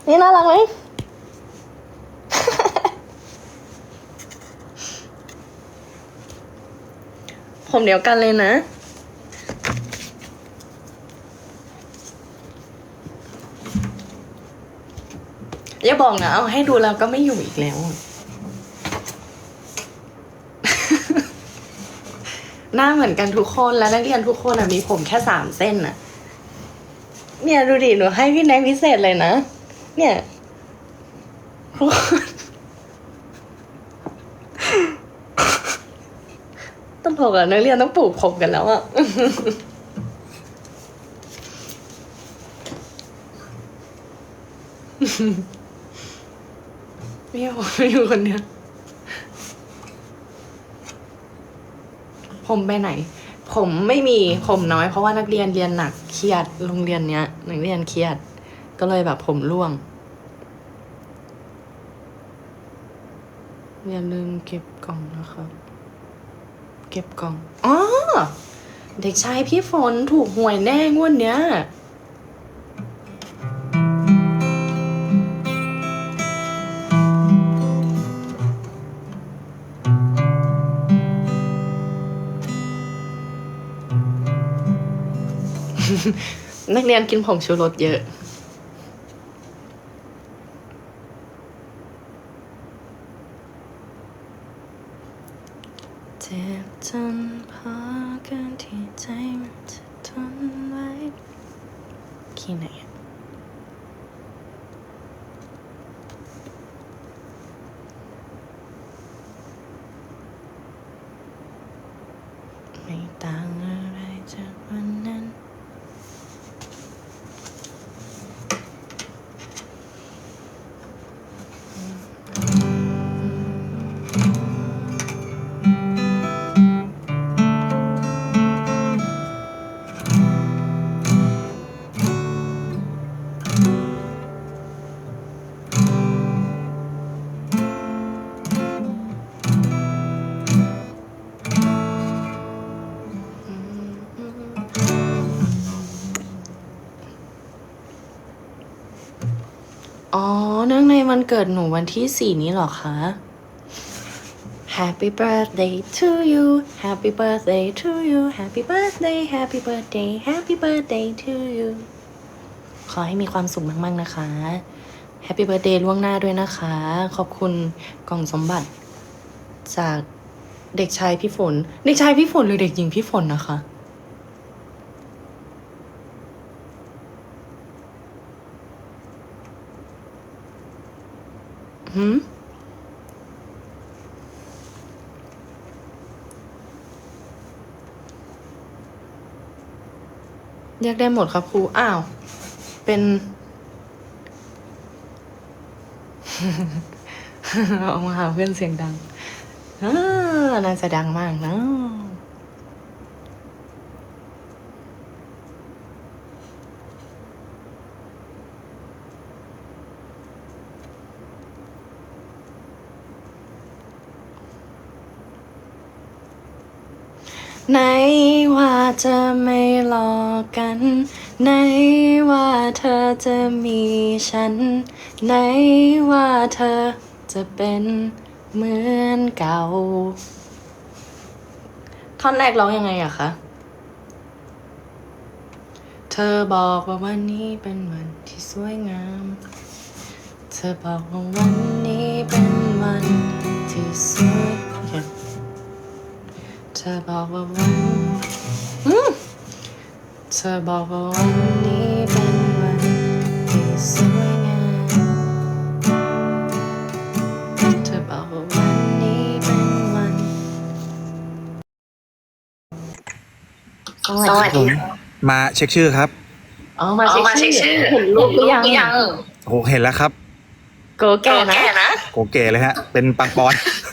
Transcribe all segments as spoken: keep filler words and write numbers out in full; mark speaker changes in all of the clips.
Speaker 1: นี่น่ารักไหม ผมเดียวกันเลยนะอย่าบอกนะเอาให้ดูแล้วก็ไม่อยู่อีกแล้ว หน้าเหมือนกันทุกคนแล้วนักเรียนทุกคนอะมีผมแค่สามเส้นอะเนี่ยดูดิหนูให้พี่แนกพิเศษเลยนะเนี่ยทุกคนต้องบอกอะนักเรียนต้องปลูกผมกันแล้วอะไม่ผมไม่อยู่คนเดียวผมไปไหน ผมไม่มีผมน้อยเพราะว่านักเรียนเรียนหนักเครียดโรงเรียนเนี้ยนักเรียนเครียดก็เลยแบบผมร่วงอย่าลืมเก็บกล่องนะครับเก็บกล่องอ๋อเด็กชายพี่ฝนถูกหวยแน่งวดเนี้ยนักเรียนกินผงชูรสเยอะเจ็บจนพอเกินที่ใจมันจะทนไว้ขี้ไหนอะไม่ต่างอะไรจากวันนั้น อ๋อเนื่องในวันเกิดหนูวันที่สี่นี้เหรอคะ Happy birthday to you Happy birthday to you Happy birthday Happy birthday Happy birthday to you ขอให้มีความสุขมากๆนะคะ Happy birthday ล่วงหน้าด้วยนะคะ ขอบคุณกล่องสมบัติจากเด็กชายพี่ฝน เด็กชายพี่ฝนหรือเด็กหญิงพี่ฝนนะคะหืมเรียกได้หมดครับครู อ้าว เป็น ออกมาหาเพื่อนเสียงดังอ่าน่าจะดังมากนะไหนว่าจะไม่หลอกกันไหนว่าเธอจะมีฉันไหนว่าเธอจะเป็นเหมือนเก่าท่อนแรกร้องยังไงอะคะเธอบอกว่าวันนี้เป็นวันที่สวยงามเธอบอกว่าวันนี้เป็นวันที่สวยเธอบอกว่าวันอืมเธอบอกว่าวันนี้เป็นวันที่สวยงามเธอบอกว่าวันนี้เป็นวันสวัสดีค่ะ
Speaker 2: มาเช็คชื่อครับ
Speaker 1: อ๋อมาเช็คชื่อเห็นรูปหรือยัง
Speaker 2: โอ้โหเห็นแล้วครับ
Speaker 1: โกแก่นะ
Speaker 2: โกเก๋เลยฮะ เป็นปังปอน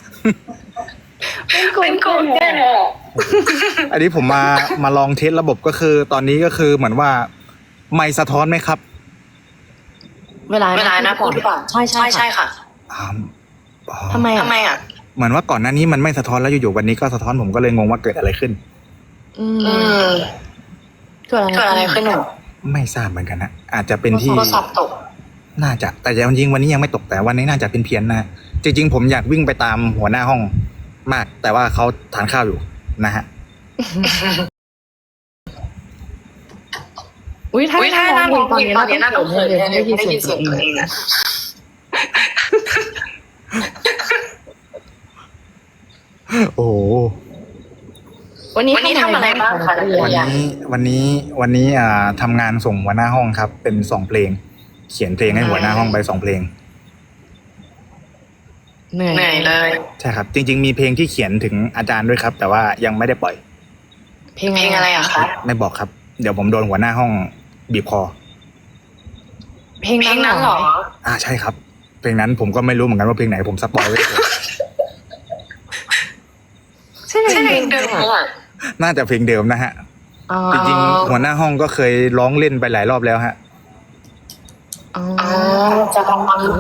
Speaker 1: เป็นโกแก่
Speaker 2: อันนี้ผมมามาลองเทสระบบก็คือตอนนี้ก็คือเหมือนว่าไม่สะท้อนไหมครับ
Speaker 1: เวลาเวลานะพูดหรือเปล่าใช่ใช่ใช่ค่ะ
Speaker 2: อ่าอ๋อ
Speaker 1: ทำไมทำไมอ่ะ
Speaker 2: เหมือนว่าก่อนหน้านี้มันไม่สะท้อนแล้วอยู่ๆวันนี้ก็สะท้อนผมก็เลยงงว่าเกิดอะไรขึ้น
Speaker 1: อืมเกิดอะไรขึ้นหนู
Speaker 2: ไม่ทราบเหมือนกันนะอาจจะเป็นที่
Speaker 1: โทรศัพท์ตก
Speaker 2: น่าจะแต่จริงๆวันนี้ยังไม่ตกแต่วันนี้น่าจะเป็นเพี้ยนนะจริงๆผมอยากวิ่งไปตามหัวหน้าห้องมาก แต่ว่าเขาทานข้าวอยู่นะฮะ
Speaker 1: อุ้ยถ้า
Speaker 3: อุ้ยถ้า
Speaker 1: ถ้า
Speaker 3: น่า
Speaker 1: ร้
Speaker 3: ร้
Speaker 1: อ
Speaker 3: อง ง
Speaker 1: เพ
Speaker 3: เพ
Speaker 1: ล
Speaker 3: ล
Speaker 1: ง
Speaker 3: ง
Speaker 1: ต
Speaker 3: ต
Speaker 1: อ
Speaker 3: อน น
Speaker 1: นี้
Speaker 3: นี้
Speaker 1: น่า
Speaker 3: น่า
Speaker 1: ต้
Speaker 3: ต้
Speaker 1: อ
Speaker 3: อง ง
Speaker 1: เขิ
Speaker 3: เขิ
Speaker 1: น
Speaker 3: น
Speaker 1: เลย
Speaker 3: เลย
Speaker 1: ได้
Speaker 3: ได้
Speaker 1: ยิ
Speaker 3: ยิ
Speaker 1: น
Speaker 3: น
Speaker 1: เสี
Speaker 3: เสี
Speaker 1: ย
Speaker 3: ย
Speaker 1: ง
Speaker 3: ง
Speaker 1: ตั
Speaker 3: ตัว ว
Speaker 1: เอ
Speaker 3: เอง ง
Speaker 1: อะ
Speaker 3: อะ
Speaker 2: โอ้โห
Speaker 1: วันนี้
Speaker 3: วันนี้
Speaker 1: ทำ
Speaker 3: ทำ
Speaker 1: อะ
Speaker 3: อะไร ไร
Speaker 1: บ้า
Speaker 3: บ้าง ง
Speaker 1: คะ
Speaker 3: คะ
Speaker 1: นั
Speaker 3: นั
Speaker 1: ก
Speaker 3: ก
Speaker 1: เรี
Speaker 3: เรี
Speaker 1: ย
Speaker 3: ย
Speaker 1: น
Speaker 3: น
Speaker 2: วันนี้วันนี้วันนี้อ่าทำงานส่งหัวหน้าห้องครับ เป็นสองเพลง เขียนเพลงให้หัวหน้าห้องไปสองเพลง
Speaker 1: เหนื่อย
Speaker 3: เหนื่อยเลย
Speaker 2: ใช่ครับ จริง ๆ มีเพลงที่เขียนถึงอาจารย์ด้วยครับ แต่ว่ายังไม่ได้ปล่อย
Speaker 1: เพลง
Speaker 3: เพลงอะไรอะคะ
Speaker 2: ไม่บอกครับ เดี๋ยวผมโดนหัวหน้าห้องบีบคอ
Speaker 1: เพลง
Speaker 3: เพล
Speaker 1: นั้
Speaker 3: ง
Speaker 1: น
Speaker 3: นั้น
Speaker 1: เห
Speaker 3: เห
Speaker 1: ร
Speaker 3: ร
Speaker 1: อ
Speaker 3: อ
Speaker 2: อ่าใช่ครับ เพลงนั้นผมก็ไม่รู้เหมือนกันว่าเพลงไหนผมสปอยไว้ก่อน
Speaker 1: ใช่เพ
Speaker 3: ใช่
Speaker 1: ล
Speaker 3: เพ
Speaker 1: ง
Speaker 3: ลง
Speaker 1: เดิ
Speaker 3: เดิ
Speaker 1: ม
Speaker 3: ม
Speaker 1: อะ
Speaker 3: อะ
Speaker 2: น่าจะเพลงเดิมนะฮะ
Speaker 1: อ๋อ
Speaker 2: จริงๆหัวหน้าห้องก็เคยร้องเล่นไปหลายรอบแล้วฮะ
Speaker 1: อ๋อ
Speaker 3: อ๋อจะลองฟังดู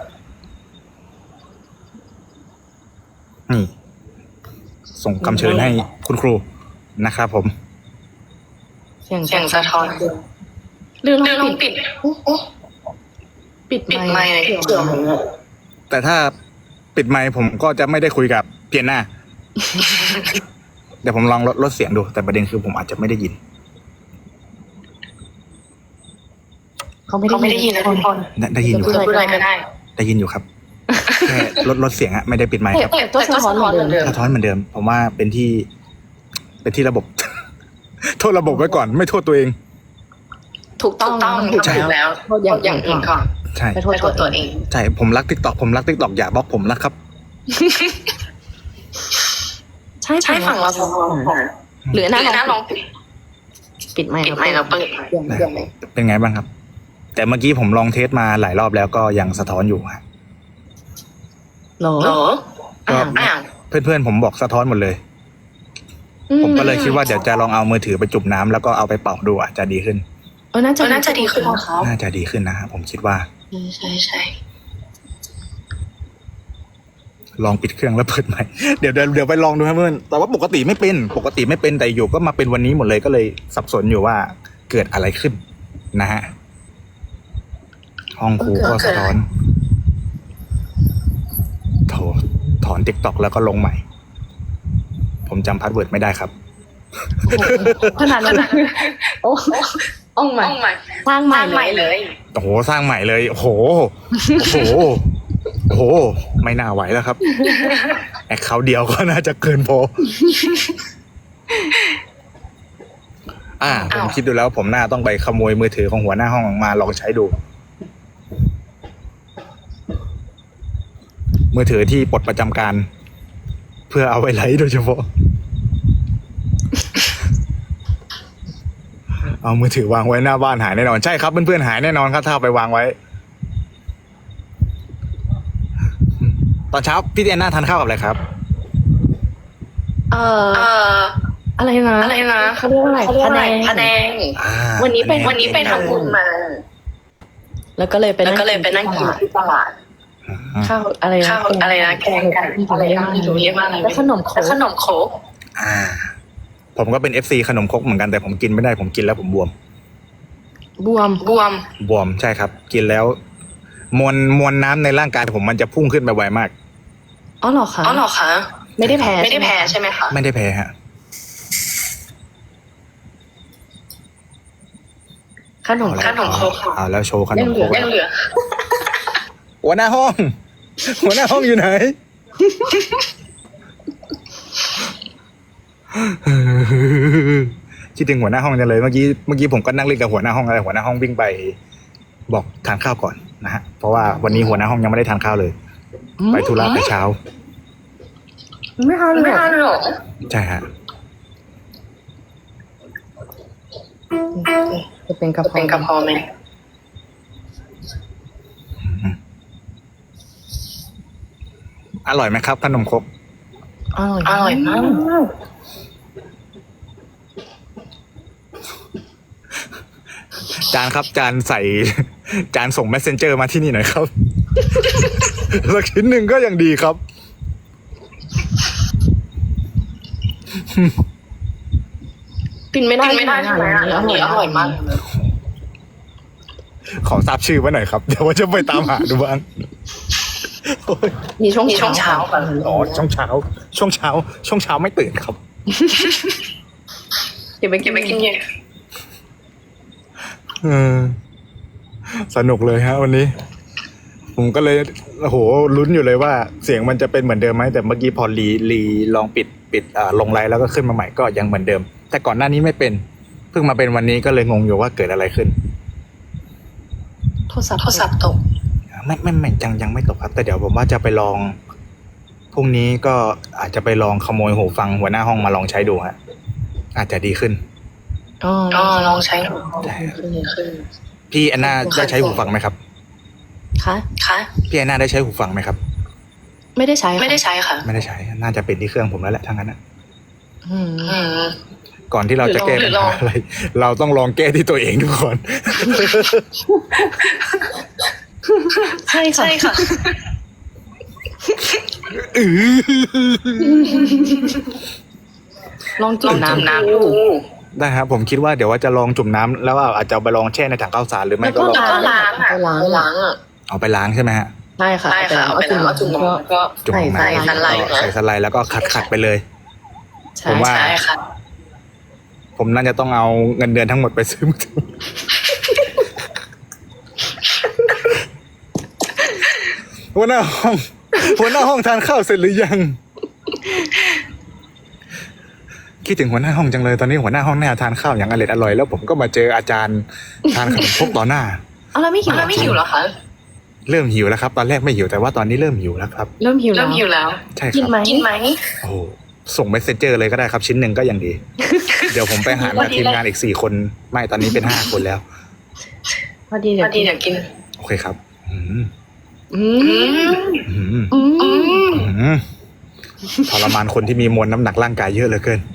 Speaker 2: นี่ ส่งคำเชิญให้คุณครูนะครับผม
Speaker 1: เสียง
Speaker 3: เสียงสะท้อน
Speaker 1: เรื่อง
Speaker 3: เดินล
Speaker 1: ปิ
Speaker 3: ง
Speaker 1: ด
Speaker 3: ปิด
Speaker 1: ปิด
Speaker 3: ปิด
Speaker 1: ไม
Speaker 3: ไม
Speaker 1: ค์
Speaker 3: ค์เลย
Speaker 1: เสียง
Speaker 3: เสียง
Speaker 2: แต่ถ้าปิดไมค์ผมก็จะไม่ได้คุยกับเพียนหน้า เดี๋ยวผมลองลดลดเสียงดู แต่ประเด็นคือผมอาจจะไม่ได้ยิน
Speaker 1: เขาไม่
Speaker 3: เขาไม่
Speaker 1: ได้
Speaker 3: ได้
Speaker 1: ยิ
Speaker 3: ยิ
Speaker 1: น
Speaker 3: นนะทุกคน
Speaker 2: ได้ได้ยินอยู่
Speaker 3: พูด
Speaker 2: ครับ
Speaker 3: อะไรก็ได้
Speaker 2: ได้ยินอยู่ครับ แค่ลดลดเสียงอะไม่ได้ปิดไมค์ครับ
Speaker 1: แต่ตัวสะท้อนเหมือนเดิม
Speaker 2: สะท้อนเหมือนเดิม ผมว่าเป็นที่ เป็นที่ระบบ โทษระบบไว้ก่อน ไม่โทษตัวเอง
Speaker 1: ถูกต้
Speaker 3: ต้
Speaker 1: อ
Speaker 3: อง งต้อง
Speaker 1: ถูก
Speaker 3: ถูกแล้ว
Speaker 1: โทษอย่าง
Speaker 3: อย่างอื่นก่อน
Speaker 2: ใช่
Speaker 1: ไปโท
Speaker 3: ไป
Speaker 1: ษ
Speaker 3: โทษ
Speaker 1: ตั
Speaker 3: ตัว ว
Speaker 1: เอ
Speaker 3: เอง ง
Speaker 2: ใช่ ผมรักทิกตอกผมรักทิกตอกอย่าบล็อกผมนะครับ
Speaker 1: ใช่
Speaker 3: ใช่ฝั่งเราสองคน
Speaker 1: หรือห
Speaker 3: ห
Speaker 1: น้า
Speaker 3: รือหน้า
Speaker 1: น้
Speaker 3: น้
Speaker 1: อ
Speaker 3: อง ง
Speaker 1: ปิดไมค์
Speaker 3: ปิดไมค์แล้วเปิด
Speaker 1: เสียงเสียงเลย
Speaker 2: เป็นไงบ้างครับ แต่เมื่อกี้ผมลองเทสมาหลายรอบแล้วก็ยังสะท้อนอยู่ฮะ
Speaker 1: เหรอ
Speaker 3: เหรอ
Speaker 2: ก็
Speaker 3: อ่า
Speaker 2: เพื่อนๆผมบอกสะท้อนหมดเลย ผมก็เลยคิดว่าเดี๋ยวจะลองเอามือถือไปจุ่มน้ำแล้วก็เอาไปเป่าดูอาจจะดีขึ้น
Speaker 1: เออน่าจะ
Speaker 3: ก็น่าจะดีขึ้นนะคะ
Speaker 2: น่าจะดีขึ้นนะฮะผมคิดว่า
Speaker 3: ใช่ใช่
Speaker 2: ลองปิดเครื่องแล้วเปิดใหม่ เดี๋ยวเดี๋ยวเดี๋ยวไปลองดูครับเพื่อนแต่ว่าปกติไม่เป็น ปกติไม่เป็นแต่อยู่ก็มาเป็นวันนี้หมดเลยก็เลยสับสนอยู่ว่าเกิดอะไรขึ้นนะฮะ ห้องครูก็สะท้อนโถถอนติ๊กต็อกแล้วก็ลงใหม่ ผมจำพาสเวิร์ดไม่ได้ครับ
Speaker 1: ขนาดนั้นโอ้อ่องใหม่
Speaker 3: ต้องใหม่
Speaker 1: สร้างให
Speaker 3: ให
Speaker 1: ม่
Speaker 3: ม่ใหม่
Speaker 1: เล
Speaker 3: เลย ย
Speaker 2: โอ้โหสร้างใหม่เลยโอ้โหโอ้โหโอ้โหไม่น่าไหวแล้วครับแอคเคาท์เดียวก็น่าจะเกินพออ่าผมคิดดูแล้วผมน่าต้องไปขโมยมือถือของหัวหน้าห้องมาลองใช้ดู มือถือที่ปลดประจำการ เพื่อเอาไว้ไลฟ์โดยเฉพาะ เอามือถือวางไว้หน้าบ้านหายแน่นอนใช่ครับเพื่อนๆหายแน่นอนครับถ้าเอาไปวางไว้ ตอนเช้าพี่แอนนาทานข้าวกับอะไรครับ
Speaker 1: เอ่อ
Speaker 3: เอ่อ
Speaker 1: อะไรนะ
Speaker 3: อะไรนะ
Speaker 1: เขาเรียกว่าอะไร
Speaker 3: เขาเรียกว่าอะไร
Speaker 1: พะ
Speaker 3: พะ
Speaker 1: แน
Speaker 3: แน
Speaker 1: ง
Speaker 3: ง
Speaker 2: อ่า
Speaker 1: วันนี้ไป
Speaker 3: วันนี้ไปทำบุญมา
Speaker 1: แล้วก็เลยไป
Speaker 3: แล้วก็เลยไปนั่งกินที่ตลาด
Speaker 1: ข้าวอะไรนะ
Speaker 3: ข้าวอะไรนะแกงกันอะไรนะไม่รู้เรียกว่าอะไร
Speaker 1: แล้วขนมโค
Speaker 3: แล้ว
Speaker 1: ก
Speaker 3: ขนมโค้ก
Speaker 2: อ่า ผมก็เป็นเอฟซีขนมครกเหมือนกันแต่ผมกินไม่ได้ผมกินแล้วผมบวม
Speaker 1: บวม
Speaker 3: บวม
Speaker 2: บวมใช่ครับ กินแล้ว มวลมวลน้ำในร่างกายผมมันจะพุ่งขึ้นไปไวมาก
Speaker 1: อ๋อเหรอคะ
Speaker 3: อ๋อเหรอคะ
Speaker 1: ไม่ได้แพ้
Speaker 3: ไม่ได้แพ้ใช่ไหมคะ
Speaker 2: ไม่ได้แพ้ฮะ
Speaker 1: ขนม
Speaker 2: เอา
Speaker 3: ข
Speaker 2: แล้ว
Speaker 3: นมครก
Speaker 2: เอาแล้วโชว์ขนมครก
Speaker 3: ยังเหลือ
Speaker 2: หัวหน้าห้อง หัวหน้าห้องอยู่ไหน คิดถึงหัวหน้าห้องจังเลยเมื่อกี้เมื่อกี้ผมก็นั่งเล่นกับหัวหน้าห้องอะไรหัวหน้าห้องวิ่งไป บอกทานข้าวก่อนนะฮะเพราะว่าวันนี้หัวหน้าห้องยังไม่ได้ทานข้าวเลย ไปธุระแต่เช้า
Speaker 1: ไม่ทานเลย
Speaker 3: ไม่
Speaker 1: เหรอ
Speaker 3: ทานหรอ
Speaker 2: ใช่ฮะ
Speaker 1: จะเป็นกระเพาะ
Speaker 3: เป็นกระเพาะไหม
Speaker 2: อร่อยไหมครับขนมครก
Speaker 1: อร่อย
Speaker 3: อร่อยมาก
Speaker 2: จานครับจานใส่ จานส่ง messenger มาที่นี่หน่อยครับ สักชิ้นหนึ่งก็ยังดีครับ
Speaker 1: กินไม่ได้
Speaker 3: กินไม่ได้ใช่ไหม
Speaker 1: อันนี้
Speaker 3: อันนี้อร่อยมาก
Speaker 2: ขอทราบชื่อไว้หน่อยครับ เดี๋ยวว่าจะไปตามหาดูบ้างโอ้ย
Speaker 1: มีช่วง
Speaker 3: มีช่วงเช้าค่ะ
Speaker 2: อ๋อช่วงเช้า ช่วงเช้า ช่วงเช้าไม่ตื่นครับ
Speaker 1: เก็บไป
Speaker 3: เก็บไปกินเย็น
Speaker 2: เออสนุกเลยฮะ วันนี้ ผมก็เลยโอ้โหลุ้นอยู่เลยว่าเสียงมันจะเป็นเหมือนเดิมไหมแต่เมื่อกี้พอรีรีลองปิดปิดอ่าลงไลน์แล้วก็ขึ้นมาใหม่ก็ยังเหมือนเดิม แต่ก่อนหน้านี้ไม่เป็นเพิ่งมาเป็นวันนี้ก็เลยงงอยู่ว่าเกิดอะไรขึ้น
Speaker 1: โทรศัพท์
Speaker 3: โทรศัพท์ตก
Speaker 2: ไม่ไม่ไม่ยังยังไม่ตกครับ แต่เดี๋ยวผมว่าจะไปลองพรุ่งนี้ก็อาจจะไปลองขโมยหูฟังหัวหน้าห้องมาลองใช้ดูฮะอาจจะดีขึ้น
Speaker 1: อ๋อ
Speaker 3: อ๋อลองใช้ดู
Speaker 2: ใช่ครับ
Speaker 3: ขึ้นขึ้น
Speaker 2: พี่แอนนาได้ใช้หูฟังไหมครับ
Speaker 1: คะ
Speaker 3: ค่ะ
Speaker 2: พี่แอนนาได้ใช้หูฟังไหมครับ
Speaker 1: ไม่ได้ใช้ค่ะ
Speaker 3: ไม่ได้ใช้ค่ะ
Speaker 2: ไม่ได้ใช้น่าจะเป็นที่เครื่องผมแล้วแหละทั้งนั้นนะ
Speaker 1: อืม
Speaker 3: อืม
Speaker 2: ก่อนที่เราจะแก้
Speaker 3: หรื
Speaker 2: ปัญ
Speaker 3: อล
Speaker 2: หา
Speaker 3: อง
Speaker 2: อะไร เราต้องลองแก้ที่ตัวเองทุกคน
Speaker 1: ใช่ค่ะ
Speaker 3: ใช่ค่ะ
Speaker 1: ลอง
Speaker 3: ล
Speaker 1: จุ่
Speaker 3: อง
Speaker 1: ม
Speaker 3: จุ่ม
Speaker 1: น้ำ
Speaker 3: น้ำดู
Speaker 2: ได้ครับผมคิดว่าเดี๋ยวว่าจะลองจุ่มน้ำแล้วอาจจะเอาไปลองแช่ในถังข้าวสารหรือไม่ก็ลอง
Speaker 3: แล้วก็ล้างอ่ะ
Speaker 1: ล้าง
Speaker 3: ล้างอ่ะ
Speaker 2: เอาไปล้างใช่ไหมฮะ
Speaker 1: ใช่ค่ะ
Speaker 3: ใช่ค่ะเอาไปล้างเอาจุ่ม
Speaker 1: ก็
Speaker 3: น้ำก็
Speaker 2: จุ่ม
Speaker 1: ใส่
Speaker 2: ลง
Speaker 1: ใส่
Speaker 2: น้ำ
Speaker 3: สไลด์
Speaker 2: ใส่สไลด์แล้วก็ขัดขัดไปเลย
Speaker 1: ใช่
Speaker 2: ผมว่า
Speaker 3: ใช่ค่ะ
Speaker 2: ผมน่าจะต้องเอาเงินเดือนทั้งหมดไปซื้อมือถือหัวหน้าห้องหัวหน้าห้องทานข้าวเสร็จหรือยัง คิดถึงหัวหน้าห้องจังเลยตอนนี้หัวหน้าห้องแน่ทานข้าวอย่างอร่อยอร่อยแล้วผมก็มาเจออาจารย์ทานขนมครกต่อหน้า
Speaker 1: เอาแล้วไม่หิว
Speaker 3: แล้วไม่หิวเหรอคะ
Speaker 2: เริ่มหิวแล้วครับ ตอนแรกไม่หิวแต่ว่าตอนนี้เริ่มหิวแล้วครับ
Speaker 1: เริ่มหิวแล้
Speaker 3: เริ่
Speaker 1: ว
Speaker 3: มหิวแล้ว
Speaker 2: ใช่ค
Speaker 1: กิน
Speaker 2: รับ
Speaker 1: ไหม
Speaker 3: กินไหม
Speaker 2: โอ้โหส่งเมสเซนเจอร์เลยก็ได้ครับชิ้นหนึ่งก็ยังดี เดี๋ยวผมไปหามาทีมงานอีกสี่คนไม่ตอนนี้เป็นห้าคนแล้ว
Speaker 1: พอดี
Speaker 3: พ
Speaker 1: เดี๋ย
Speaker 3: อ
Speaker 1: ว
Speaker 3: ดีเดี๋ยวกิน
Speaker 2: โอเคครับ อืม
Speaker 1: อื
Speaker 3: อื
Speaker 1: ม
Speaker 3: ม
Speaker 2: อืม
Speaker 1: อื
Speaker 3: อื
Speaker 1: ม
Speaker 3: ม
Speaker 2: อืมทรมานคนที่มีมวลน้ำหนักร่างกายเยอะเหลือเกิน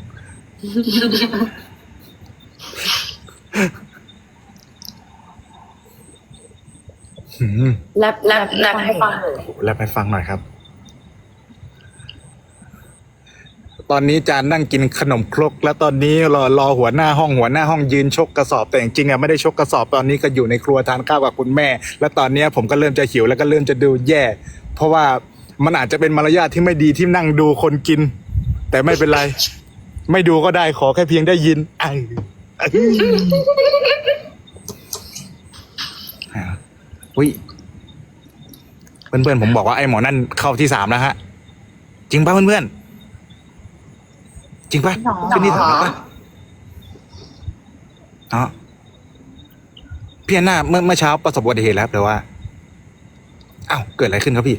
Speaker 2: อืม
Speaker 1: แลบ
Speaker 3: แลบแลบให้ฟัง
Speaker 2: แล้วไปฟังหน่อยครับ ตอนนี้จานนั่งกินขนมครก แล้วตอนนี้รอรอหัวหน้าห้องหัวหน้าห้องยืนชกกระสอบแต่จริงๆอ่ะไม่ได้ชกกระสอบตอนนี้ก็อยู่ในครัวทานข้าวกับคุณแม่ แล้วตอนนี้ผมก็เริ่มจะหิวแล้วก็เริ่มจะดูแย่ เพราะว่ามันอาจจะเป็นมารยาทที่ไม่ดีที่นั่งดูคนกิน แต่ไม่เป็นไร ไม่ดูก็ได้ขอแค่เพียงได้ยินไอ้อุ้ยเพื่อนๆผมบอกว่าไอ้หมอนั่นเข้าที่สามแล้วฮะ จริงป่ะเพื่อนๆจริงป่ะขึ้นที่สามแล้วป่ะเนาะพี่แอนนาเมื่อเมื่อเช้าประสบอุบัติเหตุแล้วแต่ว่าอ้าวเกิดอะไรขึ้นครับพี่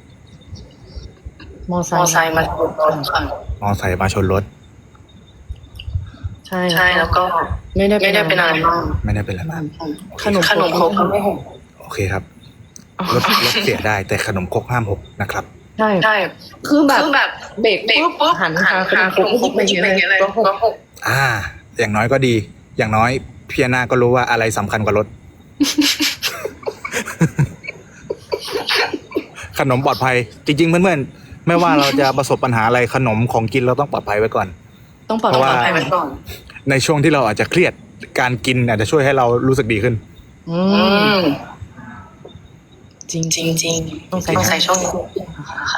Speaker 1: มอไซ
Speaker 3: มอ
Speaker 1: ค์
Speaker 3: ไซค์มาชนรถค่ะ
Speaker 2: มอไซค์มาชนรถ
Speaker 1: ใช่
Speaker 3: ใช่แล้วก็
Speaker 1: ไม่ได้
Speaker 3: ไม่ได้เป็นอะไรมาก
Speaker 2: ไม่ได้เป็นอะไรมาก
Speaker 1: ขนม
Speaker 3: ขนมครกก็ไม่หก
Speaker 2: โอเคครับรถรถเสียได้แต่ขนมครกห้ามหกนะครับ
Speaker 1: ใช่
Speaker 3: ใช่
Speaker 1: คือแบบ
Speaker 3: คือแบบ
Speaker 1: เบรก
Speaker 3: เบรก
Speaker 1: ปุ๊บ
Speaker 3: ปุ๊บ
Speaker 1: หัน
Speaker 3: หัน
Speaker 1: หาขน
Speaker 3: หาม
Speaker 1: ครก
Speaker 3: ขนมครกไปกินอย่างเงี้ยเลย
Speaker 1: ก็หก
Speaker 3: ก็หก
Speaker 2: อ่า อย่างน้อยก็ดี อย่างน้อยพี่แอนนาก็รู้ว่าอะไรสำคัญกว่ารถ ขนมปลอดภัย จริงๆเพื่อนๆไม่ว่าเราจะประสบปัญหาอะไรขนมของกินเราต้องปลอดภัยไว้ก่อน
Speaker 1: ต้องปลอด
Speaker 2: เพราะ
Speaker 1: ภั
Speaker 2: ว่า
Speaker 1: ย
Speaker 3: ไปไว้ก่อน
Speaker 2: ในช่วงที่เราอาจจะเครียดการกินอาจจะช่วยให้เรารู้สึกดีขึ้น
Speaker 1: อื
Speaker 3: อื
Speaker 1: ม
Speaker 3: ม
Speaker 1: จริง
Speaker 3: จริงจริง
Speaker 1: ต้องใส่
Speaker 3: ต้องใส่ช่องนี้ค่ะ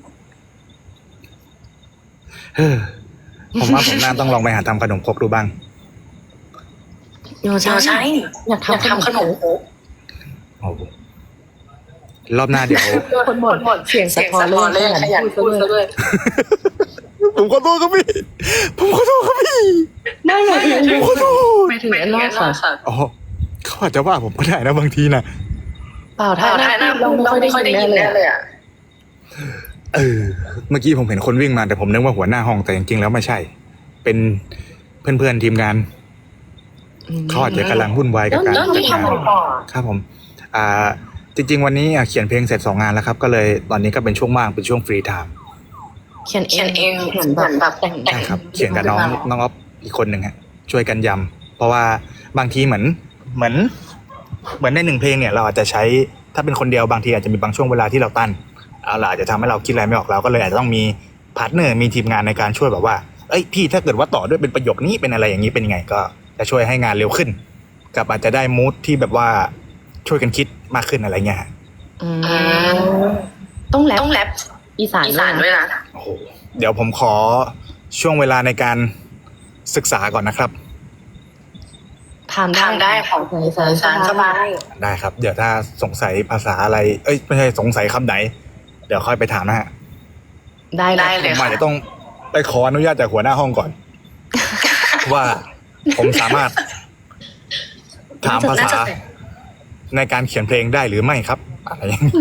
Speaker 2: เฮ้อผมว่าผมน่าต้องลองไปหาทำขนมครกดูบ้าง
Speaker 1: เดี๋ยว
Speaker 3: ใช่
Speaker 1: ใช่
Speaker 3: ใช่
Speaker 1: อยาก
Speaker 3: อยาก
Speaker 1: ทำ
Speaker 3: ทำขนมครก
Speaker 2: โอ้โหรอบหน้าเดี๋ยว
Speaker 1: คนบ่นเสียงสะ
Speaker 3: เสียง
Speaker 1: ท้อน
Speaker 3: สะท้อนเลยขยันพูดซะด้วย
Speaker 2: ผมขอโทษครับพี่ ผมขอโทษครับพี่
Speaker 1: ไม่ไง
Speaker 2: ผมขอโทษ
Speaker 1: ไม่ถึง
Speaker 3: ไม่
Speaker 1: แอน
Speaker 3: ถึง
Speaker 1: นา
Speaker 3: แอน
Speaker 1: ค่ะ
Speaker 3: นาค่ะ
Speaker 2: อ๋อเขาอาจจะว่าผมก็ได้นะบางทีนะ
Speaker 1: เปล่า
Speaker 3: ถ้า
Speaker 1: ถ้า
Speaker 3: หน้า
Speaker 1: เรา
Speaker 3: เรา
Speaker 1: ไม่
Speaker 3: ไม่
Speaker 1: ค่
Speaker 3: ค่
Speaker 1: อ
Speaker 3: อย ย
Speaker 1: ได้
Speaker 3: ได้
Speaker 1: ยิ
Speaker 3: ยิ
Speaker 1: น
Speaker 3: น
Speaker 1: แน่
Speaker 3: แน่
Speaker 1: เล
Speaker 3: เลย ย
Speaker 1: อะ
Speaker 3: อ่ะ
Speaker 2: เออ เมื่อกี้ผมเห็นคนวิ่งมาแต่ผมนึกว่าหัวหน้าห้องแต่จริงๆแล้วไม่ใช่ เป็นเพื่อนๆทีมงานเขาอาจจะกำลังวุ่นวายกับการ
Speaker 3: แล้ว
Speaker 2: จั
Speaker 3: นี่
Speaker 2: ดงาน
Speaker 3: ทำอะไรต่อ
Speaker 2: ครับผม อ่า จริง ๆ วันนี้อ่ะเขียนเพลงเสร็จสองงานแล้วครับ ก็เลยตอนนี้ก็เป็นช่วงว่างเป็นช่วงฟรีไทม์
Speaker 1: เขียนเอ
Speaker 3: เขีย
Speaker 1: ง
Speaker 3: นเอง
Speaker 1: เห
Speaker 3: เห
Speaker 1: มื
Speaker 3: มื
Speaker 1: อ
Speaker 3: อน น
Speaker 1: แบ
Speaker 3: แบบ บ
Speaker 1: แต่ง
Speaker 3: แต่ง
Speaker 2: ใช่ครับ เขียนกับน้องน้องอ๊อฟอีกคนหนึ่งฮะช่วยกันยำเพราะว่าบางทีเหมือนเหมือน เหมือนในหนึ่งเพลงเนี่ยเราอาจจะใช้ถ้าเป็นคนเดียวบางทีอาจจะมีบางช่วงเวลาที่เราตั้นเอาล่ะอาจจะทำให้เราคิดอะไรไม่ออกเราก็เลยอาจจะต้องมีพาร์ทเนอร์มีทีมงานในการช่วยแบบว่าเอ้ยพี่ถ้าเกิดว่าต่อด้วยเป็นประโยคนี้เป็นอะไรอย่างนี้เป็นยังไงก็จะช่วยให้งานเร็วขึ้น กับอาจจะได้มูดที่แบบว่าช่วยกันคิดมากขึ้นอะไรเงี้ย
Speaker 1: อืม
Speaker 3: อืม
Speaker 1: ต้องแรป
Speaker 3: ต้องแรป
Speaker 1: อีสาน
Speaker 3: อีสานด้วยนะ
Speaker 2: โอ้โหเดี๋ยวผมขอช่วงเวลาในการศึกษาก่อนนะครับ
Speaker 1: ถามได้
Speaker 3: ถามได้ค่ะ
Speaker 1: อีสาน
Speaker 3: อีสานสบาย
Speaker 2: ได้ครับ เดี๋ยวถ้าสงสัยภาษาอะไร เอ้ยไม่ใช่สงสัยคำไหน เดี๋ยวค่อยไปถามนะฮะ
Speaker 1: ได้
Speaker 3: ได้
Speaker 1: เล
Speaker 3: เลย ย
Speaker 2: ผมอาจจะต้องไปขออนุญาตจากหัวหน้าห้องก่อน ว่าผมสามารถถามภาษาในการเขียนเพลงได้หรือไม่ครับอะไรอย่างนี้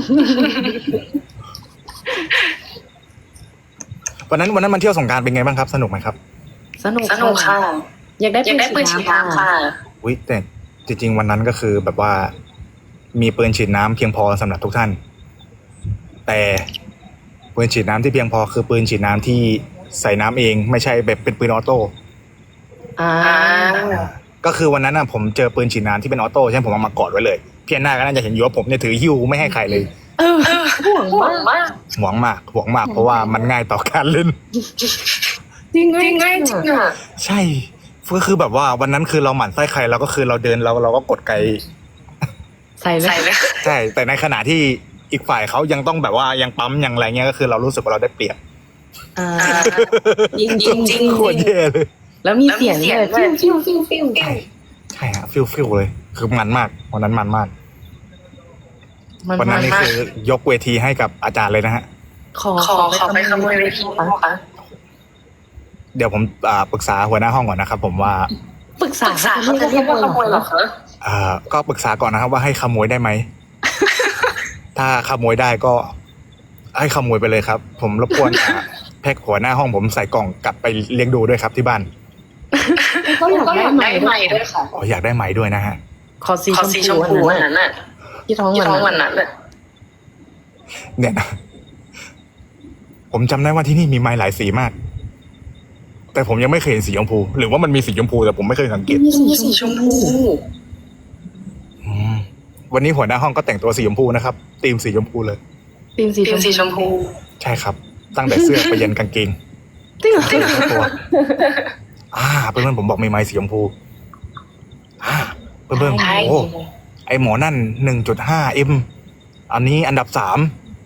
Speaker 2: วันนั้นวันนั้นมันเที่ยวสงกรานต์เป็นไงบ้างครับ สนุกไหมครับ
Speaker 1: สนุก
Speaker 3: สนุกค่ะ
Speaker 1: อยากได้
Speaker 3: อยากได้ปืนฉีดน้ำค่ะ
Speaker 2: อุ้ยแต่จริงๆวันนั้นก็คือแบบว่ามีปืนฉีดน้ำเพียงพอสำหรับทุกท่าน แต่ปืนฉีดน้ำที่เพียงพอคือปืนฉีดน้ำที่ใส่น้ำเองไม่ใช่แบบเป็นปืนออโต้
Speaker 1: อ่า
Speaker 2: ก็คือวันนั้นน่ะผมเจอปืนฉีดน้ำที่เป็นออโต้ใช่ไหมผมเอามากอดไว้เลยเพียงหน้าก็น่าจะเห็นอยู่ว่าผมเนี่ยถือหิ้วไม่ให้ใครเลย
Speaker 1: เออห่วง
Speaker 3: ห่ว
Speaker 1: มาง ก
Speaker 3: มาก
Speaker 2: หวงมากหวงมากเพราะว่ามันง่ายต่อการเล่น
Speaker 1: จริง
Speaker 3: จริง
Speaker 1: ไง
Speaker 3: จริงอ่ะ
Speaker 2: ใช่ก็คือแบบว่าวันนั้นคือเราหมั่นไส้ใครเราก็คือเราเดินเราเราก็กดไกล
Speaker 1: ใส่เล
Speaker 3: ใส่
Speaker 1: ย
Speaker 3: เลย
Speaker 2: ใช่แต่ในขณะที่อีกฝ่ายเขายังต้องแบบว่ายังปั๊มยังอะไรเงี้ยก็คือเรารู้สึกว่าเราได้เปรียบ
Speaker 1: อ่า
Speaker 3: อ่า
Speaker 1: จริงจริงจริง
Speaker 2: โคตรแย่เลย
Speaker 1: แล้วมี
Speaker 3: แล้วมี
Speaker 1: เสียง
Speaker 3: เสียง
Speaker 1: ด้วย
Speaker 3: ด้วย
Speaker 1: ฟิวฟิวฟิวฟิว
Speaker 2: ใช่ใช่ฮะฟิลฟิลเลย คือมันมากวันนั้นมันมาก
Speaker 1: มัน
Speaker 2: วันนั้นนี่
Speaker 1: มาก
Speaker 2: คือยกเวทีให้กับอาจารย์เลยนะฮะ
Speaker 1: ขอ
Speaker 3: ขอขอไปขโมยเวทีนะคะ
Speaker 2: เดี๋ยวผมอ่าปรึกษาหัวหน้าห้องก่อนนะครับ ผมว่า
Speaker 1: ปรึกษา
Speaker 3: ปรึกษาเขาจะเรียกว่าขโมยเหรอคะ
Speaker 2: อ่าก็ปรึกษาก่อนนะครับว่าให้ขโมยได้ไหม ถ้าขโมยได้ก็ให้ขโมยไปเลยครับ ผมรบกวนอ่าแพ็คหัวหน้าห้องผมใส่กล่องกลับไปเลี้ยงดูด้วยครับที่บ้าน
Speaker 1: ก็อยาก
Speaker 3: ก็
Speaker 1: ได้
Speaker 3: อยาก
Speaker 1: ใหม่
Speaker 3: ได้ใหม่ด้วยค่ะ
Speaker 2: อ๋ออยากได้ไหมด้วยนะฮะ
Speaker 1: ขอสี
Speaker 3: ขอสีชมพูอันนั้นน่ะ
Speaker 1: ที่ท้อง
Speaker 3: ที่ท้อง
Speaker 1: วั
Speaker 3: วัน น
Speaker 1: นั้น
Speaker 3: นั้นเลย
Speaker 2: เนี่ยนะผมจำได้ว่าที่นี่มีไม้หลายสีมาก แต่ผมยังไม่เคยเห็นสีชมพู หรือว่ามันมีสีชมพูแต่ผมไม่เคยสังเกต
Speaker 3: มีสีชมพู
Speaker 2: อืมวันนี้หัวหน้าห้องก็แต่งตัวสีชมพูนะครับธีมสีชมพูเลย
Speaker 1: ตีมสี
Speaker 3: ทีมสีชมพู
Speaker 2: ใช่ครับ ตั้งแต่เสื้อไปยันกางเกง
Speaker 1: จริงเหรอ
Speaker 2: ทั้งตัวอ่าเพื่อนๆผมบอกมีไม้สีชมพูอ่าเพื่อนๆ
Speaker 3: ใช่
Speaker 2: โอ้ไอหมอนั่นหนึ่งจุดห้าเอ็มอันนี้อันดับสาม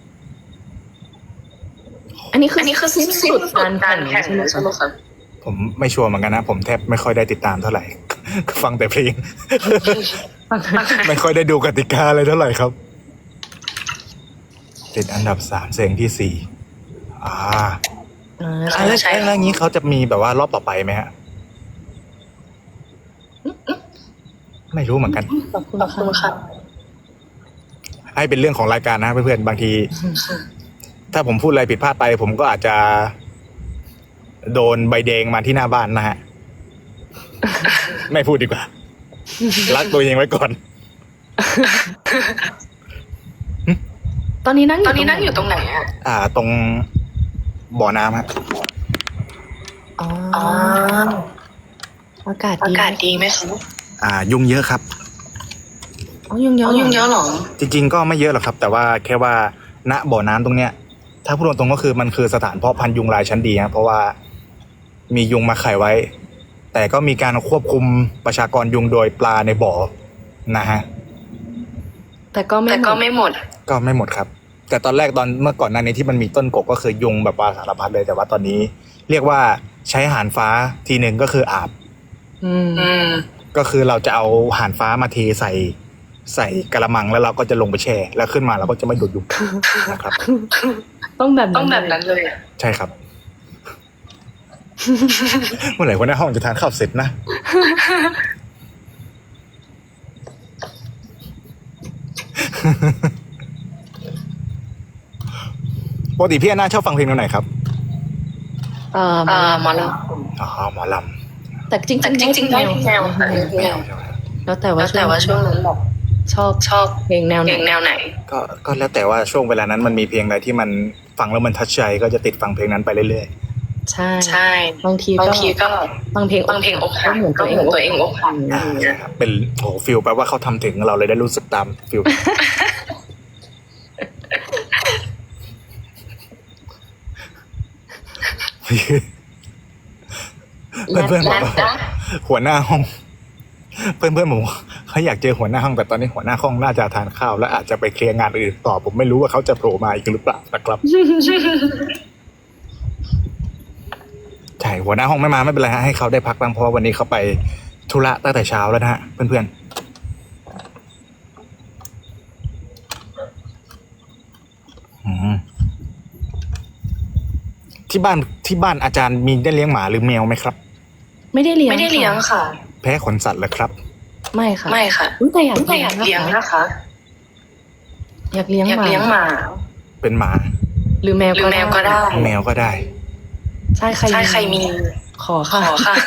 Speaker 1: อันนี้คือ
Speaker 3: อันนี้คือสิ้นสุดการแข่ง
Speaker 1: ใช่ไหม
Speaker 3: ใช่ไหมคะ
Speaker 2: ผมไม่ชัวร์เหมือนกันนะ ผมแทบไม่ค่อยได้ติดตามเท่าไหร่ ฟังแต่เพลง ไม่ค่อยได้ดูกติกาอะไรเท่าไหร่ครับติดอันดับสามเสียงที่สี่อ่า
Speaker 1: อ่า
Speaker 2: อ่าแล้วแล้วอย่างนี้เขาจะมีแบบว่ารอบต่อไปไหมฮะ ไม่รู้เหมือนกัน
Speaker 1: ขอบคุณ
Speaker 3: ขอบคุณค่ะ
Speaker 2: ให้เป็นเรื่องของรายการนะเพื่อนๆบางที ถ้าผมพูดอะไรผิดพลาดไป ผมก็อาจจะ โดนใบแดงมาที่หน้าบ้านนะฮะ ไม่พูดดีกว่า รักตัวเองไว้ก่อน
Speaker 1: ตอนนี้นั่ง
Speaker 3: ตอนนี้นั่งอยู่ตรงไหนอ่ะ
Speaker 2: อ่า ตรงบ่อน้ำฮะ
Speaker 1: อ๋อ
Speaker 3: อ๋อ
Speaker 1: อากาศ
Speaker 3: อา
Speaker 1: ดี
Speaker 3: กาศดีไหมคะ
Speaker 2: อ่า ยุงเยอะครับ
Speaker 1: อ๋อยุงเย
Speaker 3: อ๋
Speaker 1: อะ
Speaker 3: อยุงเยอะเหรอ
Speaker 2: จริงๆก็ไม่เยอะหรอกครับ แต่ว่าแค่ว่าณบ่อน้ำตรงเนี้ย ถ้าพูดตรงๆก็คือมันคือสถานเพาะพันธุ์ยุงลายชั้นดีฮะเพราะว่ามียุงมาไข่ไว้ แต่ก็มีการควบคุมประชากรยุงโดยปลาในบ่อนะฮะ
Speaker 1: แต่ก็ไม่
Speaker 3: แต่ก็ไม่หมด
Speaker 2: ก็ไม่หมดครับ แต่ตอนแรกตอนเมื่อก่อนหน้านี้ที่มันมีต้นกกก็คือยุงแบบว่าสารพัดเลยแต่ว่าตอนนี้ เรียกว่าใช้หานฟ้าทีหนึ่งก็คืออาบ
Speaker 1: อืม
Speaker 3: อืม
Speaker 2: ก็คือเราจะเอาหานฟ้ามาเทใส่ใส่กระมังแล้วเราก็จะลงไปแช่ แล้วขึ้นมาเราก็จะไม่ดูดยุงนะครับ
Speaker 1: ต้องแบบ
Speaker 3: ต้องแบบนั้นเลยอะ
Speaker 2: ใช่ครับ เมื่อไหร่คนหน้าห้องจะทานข้าวเสร็จนะ ปกติพี่แอนนาชอบฟังเพลงแนวไหนครับ
Speaker 1: เอ่อ
Speaker 3: อ่าหมอล
Speaker 2: อ๋อหมอล
Speaker 1: แต่จริง
Speaker 3: ำแต่จริงๆได้ทุกแนวค่ะ
Speaker 2: ำไม่เอาใช่ไหม
Speaker 1: แล้วแต่
Speaker 3: แล้
Speaker 1: ว่าว
Speaker 3: แต่ว่าช่วงนั้นแบบ
Speaker 1: ชอบ
Speaker 3: ชอบ
Speaker 1: เพลงแนวไห
Speaker 3: เพ
Speaker 1: น
Speaker 3: ลงแนวไหน
Speaker 2: ก็ก็แล้วแต่ว่าช่วงเวลานั้นมันมีเพลงอะไรที่มันฟังแล้วมันทัชใจก็จะติดฟังเพลงนั้นไปเรื่อย
Speaker 1: ใช่
Speaker 3: ใช่
Speaker 1: บางที
Speaker 3: บาง
Speaker 1: ก็
Speaker 3: ทีก็
Speaker 1: บางเพลง
Speaker 3: บางเพลงอกหัก
Speaker 1: เหมือน
Speaker 3: ก็
Speaker 1: ตัวเอ
Speaker 3: เหมื
Speaker 1: ง
Speaker 3: อนตัวเองอกหัก
Speaker 2: ๆอ่าใช่ครับเป็นโอ้ฟิลแปลว่าเขาทำถึงเราเลยได้รู้สึกตามฟิล เพื่อนๆบอกว่าหัวหน้าห้อง เพื่อนๆผมให้เขาอยากเจอหัวหน้าห้องแต่ตอนนี้หัวหน้าห้องน่าจะทานข้าวและอาจจะไปเคลียร์งานอื่นต่อผมไม่รู้ว่าเขาจะโผล่มาอีกหรือเปล่านะครับ ใช่หัวหน้าห้องไม่มาไม่เป็นไรฮะให้เขาได้พักบ้างเพราะว่าวันนี้เขาไปธุระตั้งแต่เช้าแล้วนะฮะเพื่อนๆอืมที่บ้านที่บ้านอาจารย์มีได้เลี้ยงหมาหรือแมวไหมครับ
Speaker 1: ไม่ได้เลี้ยง
Speaker 3: ไม่ได้เลี้ยงค่ะ
Speaker 2: แพ้ขนสัตว์เหรอครับ
Speaker 1: ไม่ค่ะ
Speaker 3: ไม่ค่ะ
Speaker 1: อุ๊ยแต่อยาก
Speaker 3: แต่อยากเลี้ยง
Speaker 1: นะ
Speaker 3: นะคะ
Speaker 1: อยากเลี้ยง
Speaker 3: อยาก
Speaker 1: หมา
Speaker 3: เลี้ยงหมา
Speaker 2: เป็นหมา
Speaker 1: หรือแมว
Speaker 3: หรือแมวก็ได้
Speaker 2: แมวก็ได้
Speaker 1: ใช่ใคร
Speaker 3: ใช่ใครมี
Speaker 1: ขอ
Speaker 3: ข
Speaker 1: ค่ะ
Speaker 3: อค่ะ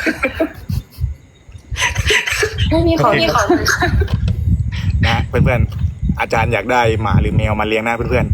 Speaker 1: ไม่มีขอ
Speaker 2: โอเค
Speaker 3: นี่ขอ
Speaker 2: นะฮะเพื่อนๆอาจารย์อยากได้หมาหรือแมวมาเลี้ยงนะเพื่อน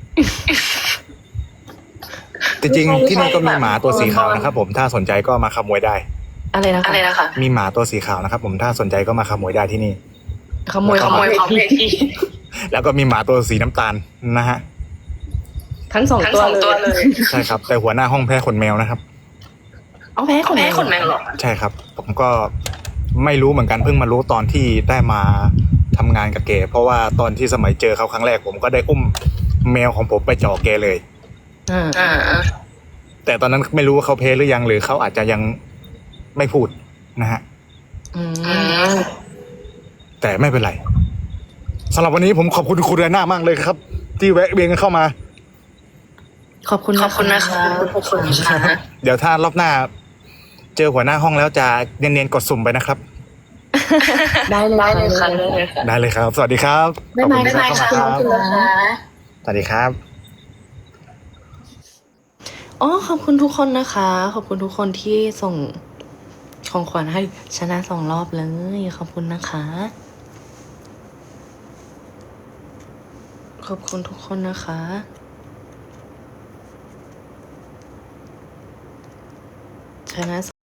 Speaker 2: ๆจริงๆที่นี่ก็มีหมาตัวสีขาวนะครับผมถ้าสนใจก็มาขโมยได้
Speaker 1: อะไรนะคะ
Speaker 3: อะไรนะคะ
Speaker 2: มีหมาตัวสีขาวนะครับผมถ้าสนใจก็มาขโมยได้ที่นี่
Speaker 1: ขโมย
Speaker 3: ขโมยของเพที
Speaker 2: แล้วก็มีหมาตัวสีน้ำตาลนะฮะ
Speaker 1: ทั้งสอง
Speaker 3: ทั้ง
Speaker 1: ตัว
Speaker 3: สองตัว
Speaker 1: เล
Speaker 3: เลย ย
Speaker 2: ใช่ครับแต่หัวหน้าห้องแพ้ขนแมวนะครับ
Speaker 1: เอาแพ้ขน
Speaker 3: แม่ขนแมวเหรอ
Speaker 2: ใช่ครับ ผมก็ไม่รู้เหมือนกันเพิ่งมารู้ตอนที่ได้มาทำงานกับแกเพราะว่าตอนที่สมัยเจอเขาครั้งแรกผมก็ได้อุ้มแมวของผมไปจ่อแกเลย
Speaker 1: อ่า
Speaker 3: อ่า
Speaker 2: แต่ตอนนั้นไม่รู้ว่าเขาเพลหรือยังหรือเขาอาจจะยังไม่พูดนะฮะ
Speaker 1: อื
Speaker 3: อื
Speaker 1: ม
Speaker 3: ม
Speaker 2: แต่ไม่เป็นไรสำหรับวันนี้ผมขอบคุณคุณเรน่ามากเลยครับ ที่แวะเวียนกันเข้ามา
Speaker 1: ขอบคุณ
Speaker 3: ขอบคุณนะคะขอบคุณค่ะ
Speaker 2: เดี๋ยวถ้ารอบหน้า เจอหัวหน้าห้องแล้วจะเนียนๆกดสุ่มไปนะครับ
Speaker 1: ได้เลย
Speaker 3: ได้เลยค่ะ
Speaker 1: ได้
Speaker 3: ได้
Speaker 1: เล
Speaker 3: เลย ยค่ะ
Speaker 2: ได้เลยครับ สวัสดีครับ
Speaker 1: บ๊ายบาย
Speaker 2: ขอบ
Speaker 3: บ๊าย
Speaker 2: คุณ
Speaker 3: บาย
Speaker 2: ที่
Speaker 3: ค่ะ
Speaker 2: เข้ามา
Speaker 3: ข
Speaker 2: ค
Speaker 3: อบ
Speaker 2: รับ
Speaker 3: คุณนะคะ
Speaker 2: สวัสดีครับ
Speaker 1: อ๋อขอบคุณทุกคนนะคะ ขอบคุณทุกคนที่ส่งของขวัญให้ชนะสองรอบเลย ขอบคุณนะคะ ขอบคุณทุกคนนะคะชนะ